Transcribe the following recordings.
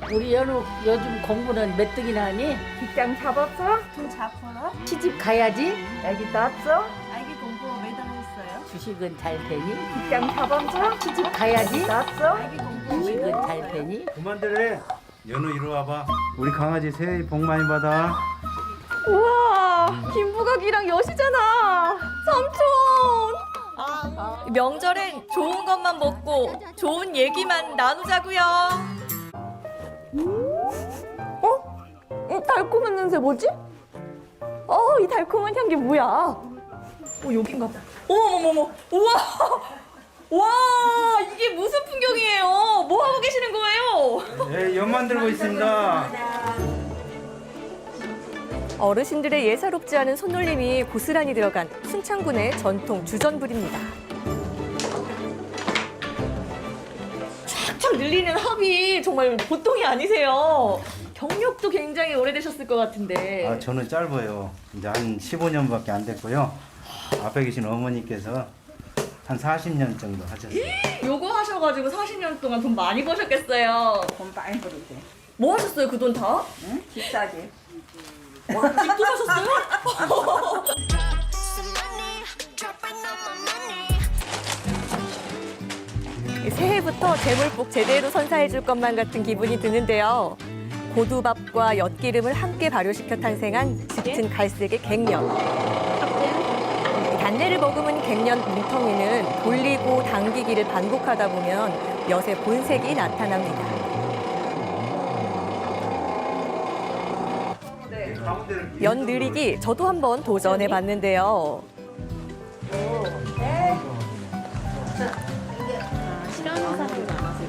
우리 연우 요즘 공부는 몇 등이나 하니? 직장 잡았어? 돈 잡으러? 시집 가야지. 애기 낳았어? 아기 공부 매달 했어요. 주식은 잘 되니? 직장 잡았어? 시집 가야지. 낳았어? 아기 공부 주식은 잘 되니? 그만들래. 연우 이리 와봐. 우리 강아지 새해 복 많이 받아. 우와, 김부각이랑 여시잖아. 삼촌. 명절엔 좋은 것만 먹고 좋은 얘기만 나누자고요. 이 달콤한 냄새 뭐지? 이 달콤한 향기 뭐야? 여긴가 봐. 어머머머, 우와. 와, 이게 무슨 풍경이에요? 뭐 하고 계시는 거예요? 네, 연 만들고 있습니다. 어르신들의 예사롭지 않은 손놀림이 고스란히 들어간 순창군의 전통 주전부리입니다. 촥촥 늘리는 합이 정말 보통이 아니세요. 경력도 굉장히 오래되셨을 것 같은데. 아, 저는 짧아요. 이제 한 15년밖에 안 됐고요. 앞에 계신 어머니께서 한 40년 정도 하셨어요. 요거 하셔가지고 40년 동안 돈 많이 버셨겠어요. 돈 많이 벌었대. 뭐 하셨어요, 그 돈 다? 응? 집 사지. 집도 사셨어요? 새해부터 재물복 제대로 선사해줄 것만 같은 기분이 드는데요. 고두밥과 엿기름을 함께 발효시켜 탄생한 짙은 갈색의 갱년. 단내를 머금은 갱년 뭉텅이는 돌리고 당기기를 반복하다 보면 엿의 본색이 나타납니다. 연 느리기 저도 한번 도전해 봤는데요. 싫어하는 사람이 많아서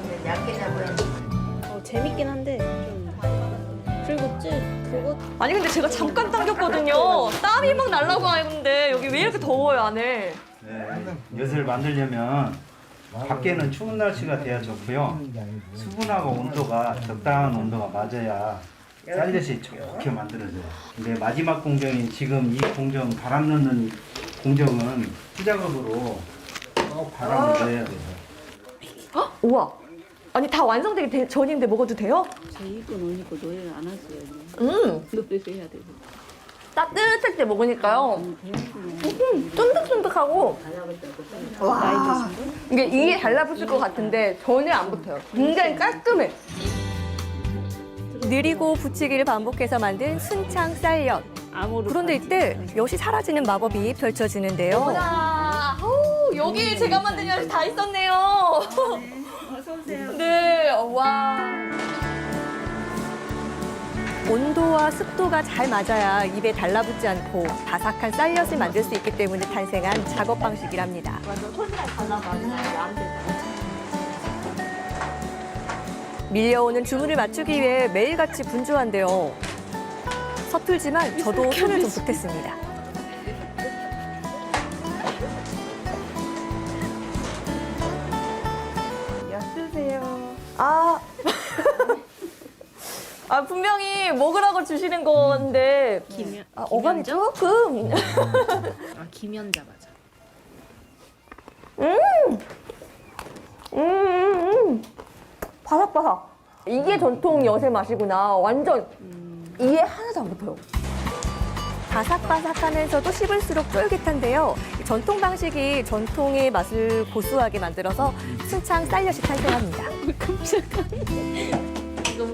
재밌긴 한데 좀 그리고 그거 아니 근데 제가 잠깐 당겼거든요. 땀이 막 날라고 하는데 여기 왜 이렇게 더워요 안에? 네, 엿을 만들려면 밖에는 추운 날씨가 돼야 좋고요. 수분하고 온도가 적당한 온도가 맞아야 쌀엿이 좋게 만들어져요. 근데 마지막 공정인 지금 이 공정 바람 넣는 공정은 수작업으로 꼭 바람을 넣어야 돼요. 우와. 아니 다 완성되기 전인데 먹어도 돼요? 제 입고 노니까 노래를 안 하세요. 그것도 해야 되고. 따뜻할 때 먹으니까요. 쫀득쫀득하고. 와. 이게 달라붙을 것 같은데 전혀 안 붙어요. 굉장히 깔끔해. 느리고 붙이기를 반복해서 만든 순창 쌀엿. 그런데 이때 엿이 사라지는 마법이 펼쳐지는데요. 어머나, 여기 제가 만든 엿이 다 있었네요. 어서 오세요. 네, 와. 온도와 습도가 잘 맞아야 입에 달라붙지 않고 바삭한 쌀엿을 만들 수 있기 때문에 탄생한 작업 방식이랍니다. 밀려오는 주문을 맞추기 위해 매일같이 분주한데요. 서툴지만 저도 손을 좀 보탰습니다. 쓰세요. 분명히 먹으라고 주시는 건데 어감이 조금 김연자 맞아. 바삭바삭. 이게 전통 엿의 맛이구나. 완전 이에 하나도 안 붙어요. 바삭바삭하면서도 씹을수록 쫄깃한데요. 전통 방식이 전통의 맛을 고수하게 만들어서 순창 쌀엿이 탄생합니다. 깜짝이야.